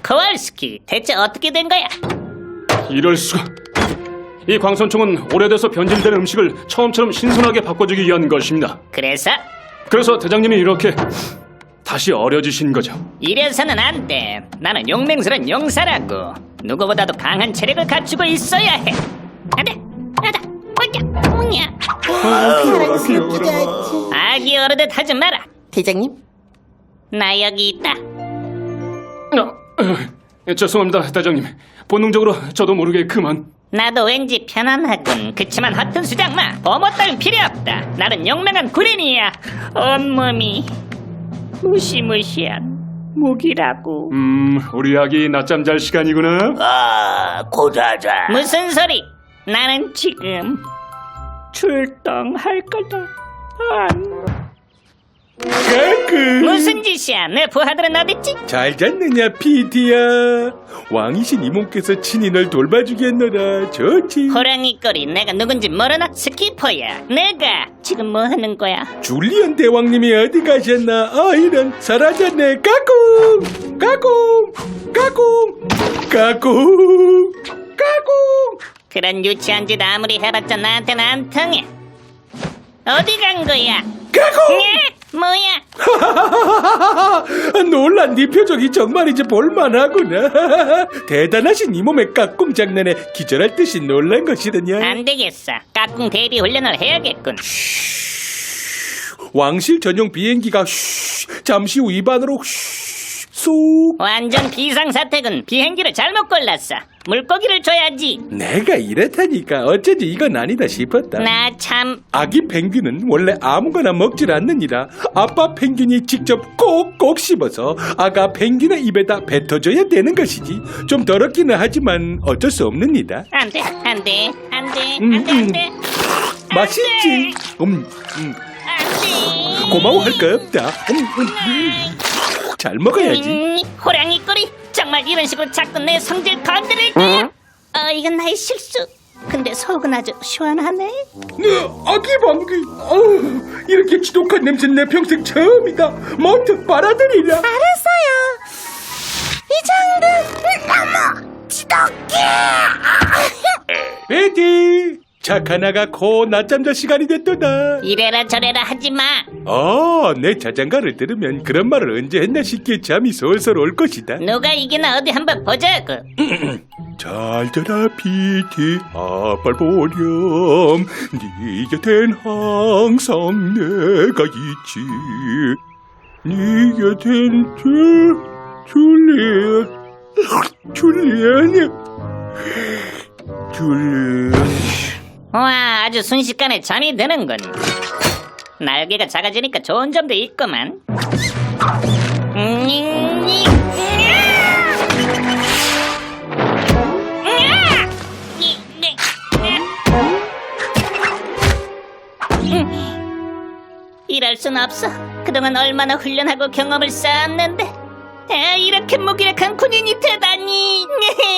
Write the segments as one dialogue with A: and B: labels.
A: 코왈스키, 대체 어떻게 된 거야?
B: 이럴 수가. 이 광선총은 오래돼서 변질된 음식을 처음처럼 신선하게 바꿔주기 위한 것입니다.
A: 그래서
B: 대장님이 이렇게 다시 어려지신 거죠.
A: 이래서는 안 돼. 나는 용맹스런 용사라고. 누구보다도 강한 체력을 갖추고 있어야 해. 안돼, 안돼, 뭐냐? 아기 어르듯 하지 마라.
C: 대장님?
A: 나 여기 있다.
B: 죄송합니다, 대장님. 본능적으로 저도 모르게 그만.
A: 나도 왠지 편안하군. 그치만 허튼 수작 마. 보모 따윈 필요 없다. 나는 용맹한 군인이야. 온몸이 무시무시한 무기라고.
B: 우리 아기 낮잠 잘 시간이구나.
D: 고자자.
A: 무슨 소리? 나는 지금 출동할 거다. 무슨 짓이야? 내 부하들은 어딨지?
E: 잘 잤느냐 피디야. 왕이신 이모께서 친히 널 돌봐주겠노라. 좋지.
A: 호랑이 꼬리, 내가 누군지 모르나? 스키퍼야. 내가 지금 뭐 하는 거야?
E: 줄리언 대왕님이 어디 가셨나? 이런 사라졌네. 까꿍 까꿍 까꿍 까꿍 까꿍.
A: 그런 유치한 짓 아무리 해봤자 나한테는 안 통해. 어디 간 거야?
E: 까꿍.
A: 예? 뭐야?
E: 놀란 네 표정이 정말이지 볼만하구나. 대단하신 이 몸의 까꿍 장난에 기절할 듯이 놀란 것이더냐.
A: 안 되겠어. 까꿍 대비 훈련을 해야겠군.
E: 왕실 전용 비행기가 잠시 후 입안으로 쏙.
A: 완전 비상사태군. 비행기를 잘못 골랐어. 물고기를 줘야지.
E: 내가 이렇다니까 어쩐지 이건 아니다 싶었다.
A: 나 참.
E: 아기 펭귄은 원래 아무거나 먹질 않느니라. 아빠 펭귄이 직접 꼭꼭 씹어서 아가 펭귄의 입에다 뱉어줘야 되는 것이지. 좀 더럽기는 하지만 어쩔 수 없느니라.
A: 안 돼, 안 돼, 안 돼, 안 돼, 안 돼.
E: 맛있지?
A: 안 돼.
E: 고마워할 거 없다. 잘 먹어야지.
A: 호랑이 꼬리. 정말 이런 식으로 자꾸 내 성질 건드릴 거야? 이건 나의 실수. 근데 속은 아주 시원하네.
E: 아기 방귀. 이렇게 지독한 냄새 내 평생 처음이다. 먼저 빨아들이라.
C: 알았어요. 이 정도 너무 지독해.
E: 베티, 착한 아가 곧 낮잠 잘 시간이 됐도다.
A: 이래라 저래라 하지 마.
E: 내 자장가를 들으면 그런 말을 언제 했나 싶게 잠이 솔솔 올 것이다.
A: 누가 이기나 어디 한번 보자고.
E: 잘 자라 피티, 아빨 보렴. 네 곁엔 항상 내가 있지. 네 곁엔 줄리안.
A: 와, 아주 순식간에 잠이 드는군. 날개가 작아지니까 좋은 점도 있구만. 이럴 순 없어. 그동안 얼마나 훈련하고 경험을 쌓았는데 이렇게 무기력한 군인이 되다니.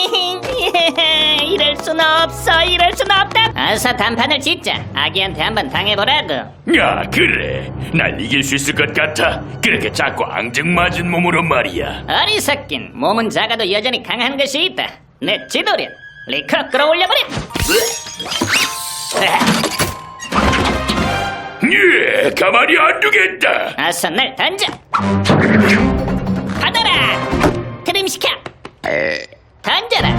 A: 이럴 순 없어. 이럴 순 없다. 어서 단판을 짓자. 아기한테 한번 당해보라고.
D: 야, 그래. 날 이길 수 있을 것 같아. 그렇게 작고 앙증맞은 몸으로 말이야.
A: 어리석긴. 몸은 작아도 여전히 강한 것이 있다. 내 지도력. 리커 끌어올려버려.
D: 예, 가만히 안 두겠다.
A: 어서 날 던져. 받아라. 트림시켜. 던져라.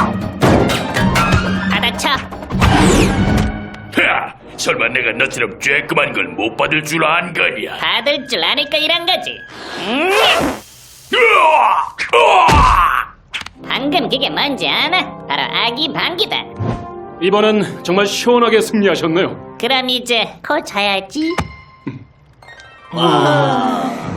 A: 받아쳐.
D: 하, 설마 내가 너처럼 쬐끔한 걸 못 받을 줄 안 거냐?
A: 받을 줄 아니까 이런 거지. 방금 그게 뭔지 아나? 바로 아기 방귀다.
B: 이번엔 정말 시원하게 승리하셨네요.
A: 그럼 이제 코 자야지.